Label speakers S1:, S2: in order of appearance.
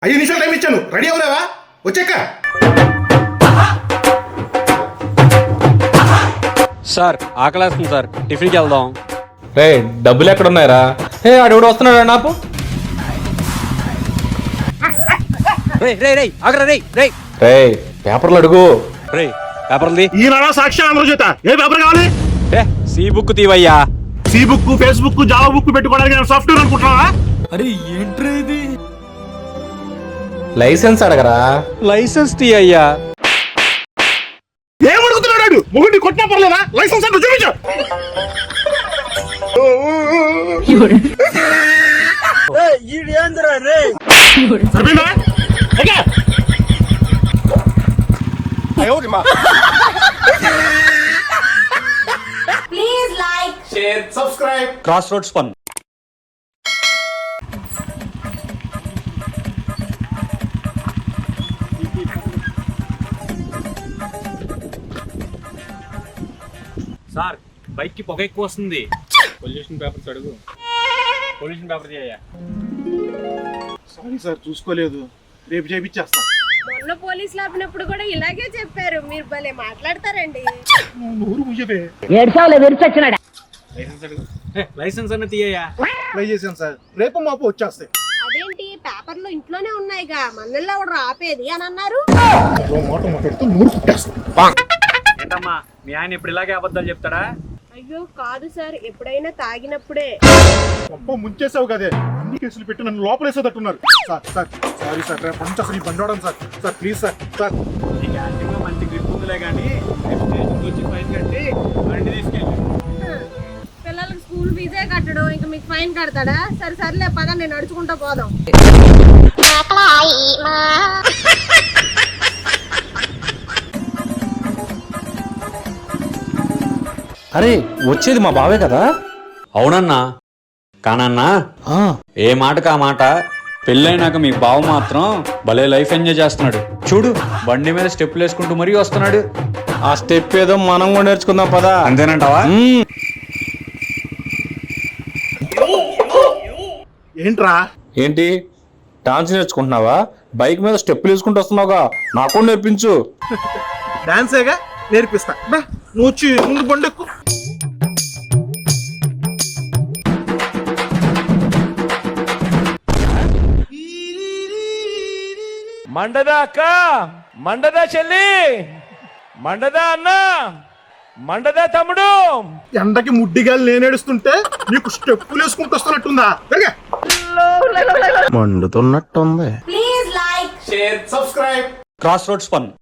S1: 5 నిమిషాలు టైం ఇచ్చాను, రెడీ అవలేవా? వచ్చాక
S2: సార్ ఆకలేస్తుంది సార్, టిఫిన్కి వెళ్దాం.
S3: రే డబ్బులు ఎక్కడ ఉన్నాయరా? ఏ ఆడెవడు వస్తున్నాడు నాకు.
S2: రే రే రే ఆగరా రే రే
S3: రే పేపర్లు అడుగు.
S2: రే పేపర్లది
S1: ఈనాడా సాక్షి ఆంధ్రజ్యోత ఏ పేపర్ కావాలి?
S2: ఏ సి బుక్ తీవయ్యా.
S1: C book, Facebook, Java book పెట్టుకోవడానికి నేను సాఫ్ట్వేర్ అనుకుంటున్నావా?
S3: లైసెన్స్ అడగరా.
S2: లైసెన్స్ తీయ్యా.
S1: ఏం అడుగుతున్నాడు? మొగుడిని కొట్టినా పర్లేదా? లైసెన్స్ అంటే చూపించు. సరిపోయిందా? Okay.
S4: Please like,
S1: share, subscribe.
S2: Cross roads fun. Sir bike కి పొగ ఎక్కువ వస్తుంది. పొల్యూషన్ పేపర్స్ అడుగు. పొల్యూషన్ పేపర్ తీయ్యా.
S1: సారీ సార్, చూసుకోలేదు, రేపు చేయించేస్తా.
S4: మొన్న పోలీసులు ఆపినప్పుడు కూడా ఇలాగే చెప్పారు. మీరు భలే మాట్లాడతారండి.
S1: నూరు ముయ్యవే.
S2: లైసెన్స్ అడుగు. లైసెన్స్ అన్న తీయ్యా.
S1: ట్రై చేశాను సార్, రేపు మాపు వచ్చేస్తాయి.
S4: అదేంటి పేపర్లో ఇంట్లోనే ఉన్నాయిగా, మనల్లో కూడా ఆపేది అని అన్నారు.
S1: మాట మాట్లాడుతూ నూరు కుట్టేస్తా.
S2: ఏంటమ్మా మీ ఆయన ఇప్పుడు ఇలాగే అబద్ధాలు చెప్తాడా?
S4: అయ్యో కాదు సార్, ఎప్పుడైనా తాగినప్పుడే.
S1: అబ్బో ముంచేసావు కదే, అన్ని కేసులు పెట్టి నన్ను లోపలేసేటట్టున్నారు. సార్ సార్ సారీ సార్, రేపు నుంచి అసలు ఈ బండి వాడను sir. Sir please sir. Sir
S2: నీకు యాక్టివ్గా మంచి గ్రిప్ ఉందిలే కానీ స్టేషన్కి వచ్చి ఫైన్ కట్టి బండి తీసుకెళ్ళి.
S4: పిల్లలకు స్కూల్ ఫీజే కట్టడం, ఇంకా మీకు ఫైన్ కడతాడా? సరే సర్లే పద, నేను నడుచుకుంటా పోదాం.
S3: అరే వచ్చేది మా బావే కదా.
S2: అవునన్నా, కానన్నా ఏ మాటకు ఆ మాట, పెళ్ళైనాక మీ బావ మాత్రం భలే లైఫ్ ఎంజాయ్ చేస్తున్నాడు. చూడు బండి మీద స్టెప్పులు వేసుకుంటూ మరీ వస్తున్నాడు.
S3: ఆ స్టెప్ ఏదో మనం కూడా నేర్చుకుందాం పదా.
S2: అంతేనంటావా?
S1: ఏంట్రా?
S3: ఏంటి డాన్స్ నేర్చుకుంటున్నావా? బైక్ మీద స్టెప్పులు వేసుకుంటూ వస్తున్నావుగా, నాకు కూడా నేర్పించు.
S1: డాన్సేగా, నేర్పిస్తా. నువ్వు వచ్చి ముందు బండెక్కు.
S5: మండదా అక్క, మండదా చెల్లి, మండదా అన్న, మండదా తమ్ముడు.
S1: ఎండకి ముడ్డిగాలు నేనేడుస్తుంటే నీకు స్టెప్పులు వేసుకుంటూ వస్తున్నట్టుందా? మండుతున్నట్టుంది.
S4: Please like,
S1: share, subscribe.
S2: Cross roads fun.